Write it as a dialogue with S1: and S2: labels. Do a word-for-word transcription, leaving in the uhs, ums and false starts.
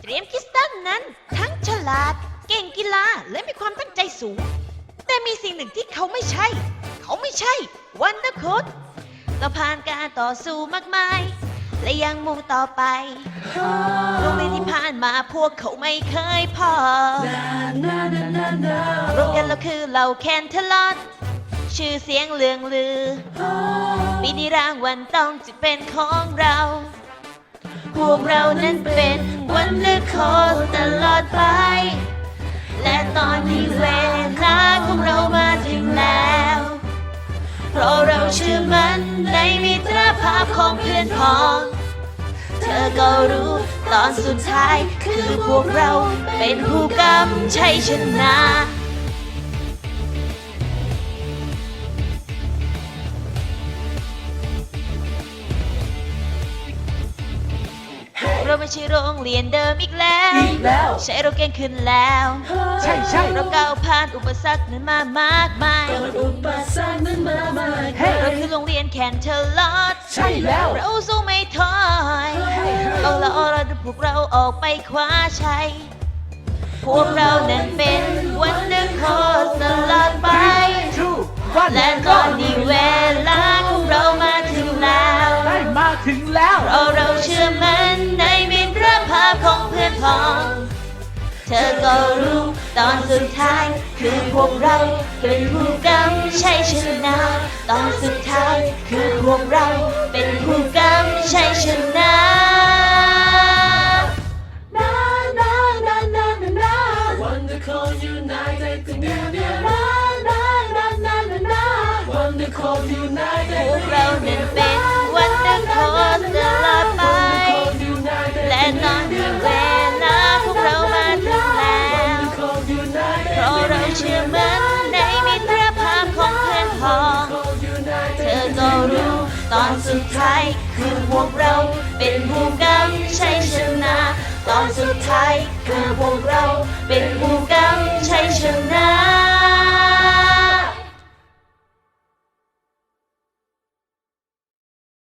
S1: รียมคริสตัลนั้นทั้งฉลาดเก่งกีฬาและมีความตั้งใจสูงแต่มีสิ่งหนึ่งที่เขาไม่ใช่ เขาไม่ใช่วันเดอร์โค้ดเราผ่านการต่อสู้มากมายและยังมุ่งต่อไปโรงเรียนที่ผ่านมาพวกเขาไม่เคยพอโรงเรียนเราคือเราแคนเทลอดชื่อเสียงเลืองลือปีนี้รางวัลต้องจะเป็นของเราพวกเรานั้นเป็นวันเดอร์โค้ดตลอดไปและตอนนี้เวลาของเรามาถึงแล้วเพราะเราเชื่อมั่นในมิตรภาพของเพื่อนพ้องเธอก็รู้ตอนสุดท้ายคือพวกเราเป็นผู้กำชัยชนะเราไม่ใช่โรงเรียนเดิมอีกแล้วอีกแล้วใช่เราเก่งขึ้นแล้วใช่ใช่เราก้าวผ่านอุปสรรคนั้นมามากมายอุปสรรคนั้นมามากมายเราคือโรงเรียนแคนเทลลอดใช่แล้วเราสู้ไม่ถอยเอาละเอาละพวกเราออกไปคว้าชัยพวกเรานั้นเป็นวันเดอร์โค้ดตลอดไปและตอนนี้เวลาของเรามาถึงแล้ว
S2: ได้มาถึงแล้ว
S1: เพราะเราเชื่อมั่นในมิตรภาพของเพื่อนพ้องเธอก็รู้ตอนสุดท้ายคือพวกเราเป็นผู้กำชัยชนะตอนสุดท้ายคือพวกเราเป็นผู้กำชัยชนะ
S3: Wonderful United together. Na na na na na na. Wonderful United.
S1: พวกเรานั้นเป็นวันเดอร์โค้ดตลอดไปและตอนนี้เวลาพวกเรามาถึงแล้วเพราะเราเชื่อมั่นในมิตรภาพของเพื่อนพ้องเธอก็รู้ตอนสุดท้ายคือพวกเราเป็นผู้กำชัยชนะตอนสุดท้ายคือพวกเราเป็นผู้ก